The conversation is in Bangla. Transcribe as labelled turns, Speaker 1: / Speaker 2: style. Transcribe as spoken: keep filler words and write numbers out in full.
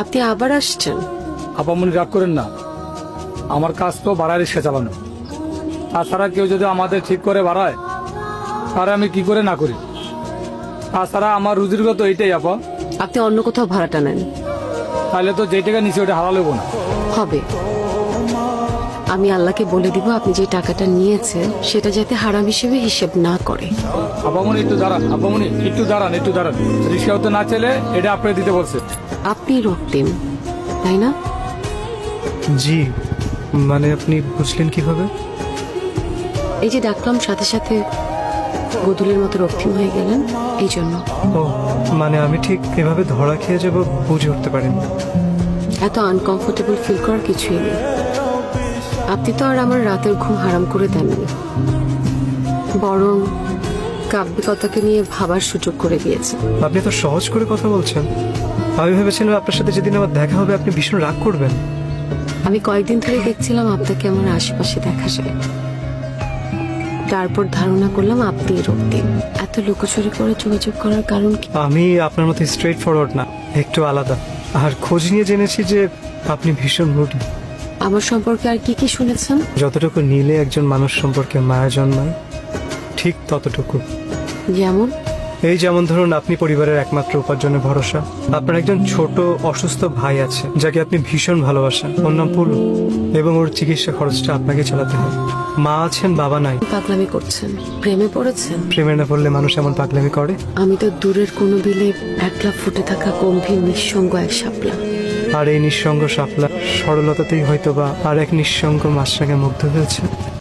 Speaker 1: আপনি আবার আসছেন?
Speaker 2: আপামনি রাগ করেন না, আমার কাজ তো ভাড়ায় রিক্সা চালানো। তাছাড়া কেউ যদি আমাদের ঠিক করে বাড়ায় তাহলে আমি কি করে না করি। তাছাড়া আমার রুজির তো এইটাই আপা।
Speaker 1: আপনি অন্য কোথাও ভাড়াটা নেন।
Speaker 2: তাহলে তো যে টাকা নিচে ওটা হারা লেবো না।
Speaker 1: হবে, আমি আল্লাহকে বলে দিব আপনি যে টাকাটা নিয়েছেন সেটা যাতে হারাম হিসেবে হিসেব না করে।
Speaker 2: আপামনি একটু দাঁড়ান, আপামনি একটু দাঁড়ান, একটু দাঁড়ান। রিক্সাও তো না চলে, এটা আপনি দিতে বলছে।
Speaker 1: আপনি রক্তিম, তাই না?
Speaker 3: জি, মানে আপনি বুঝলেন কিভাবে?
Speaker 1: এই যে ডাকলাম সাথে সাথে গদুলের মতো রক্তিম হয়ে গেলেন, এই জন্য।
Speaker 3: ও মানে আমি ঠিক এভাবে ধরা খেয়ে যাব বুঝে উঠতে পারিনি।
Speaker 1: এত আনকমফোর্টেবল ফিল করার কিছুই নেই। আপনি তো আর আমার রাতের ঘুম হারাম করে দেননি, বরং কাব্যিকতাকে নিয়ে ভাবার সুযোগ করে দিয়েছেন।
Speaker 3: আপনি তো সহজ করে কথা বলছেন। আমি ভেবেছিলাম আপনার সাথে যেদিন আমার দেখা হবে আপনি ভীষণ রাগ করবেন।
Speaker 1: আমি কয়েকদিন ধরে দেখছিলাম আপনাকে আমার আশেপাশে দেখা যায়, তারপর ধারণা করলাম আপনি রক্তিম। এত লুকোচুরি করে যোগাযোগ করার কারণ কি?
Speaker 3: আমি আপনার মতো স্ট্রেট ফরওয়ার্ড না, একটু আলাদা। আর খোঁজ নিয়ে জেনেছি যে আপনি ভীষণ রুটি।
Speaker 1: আমার সম্পর্কে আর কি কি শুনেছেন?
Speaker 3: যতটুকু নিলে একজন মানুষ সম্পর্কে মায়া জন্মায়, ঠিক ততটুকু।
Speaker 1: যেমন?
Speaker 3: এই যেমন ধরুন, আপনি পরিবারের একমাত্র উপার্জনের ভরসা। আপনার একজন ছোট অসুস্থ ভাই আছে যাকে আপনি ভীষণ ভালোবাসেন, ওর নাম পুলু, এবং ওর চিকিৎসা খরচটা আপনাকে চালাতে হয়। মা আছেন, বাবা নাই।
Speaker 1: পাগলামি করছেন? প্রেমে পড়েছেন?
Speaker 3: প্রেমে না পড়লে মানুষ এমন পাগলামি করে?
Speaker 1: আমি তো দূরের কোনো বিলে একলা ফুটে থাকা গম্ভীর নিঃসঙ্গ এক শাপলা।
Speaker 3: আর এই নিঃসঙ্গ শাপলা সরলতাতেই হয়তো বা আর এক নিঃসঙ্গ মাছরাঙে মুগ্ধ হয়েছে।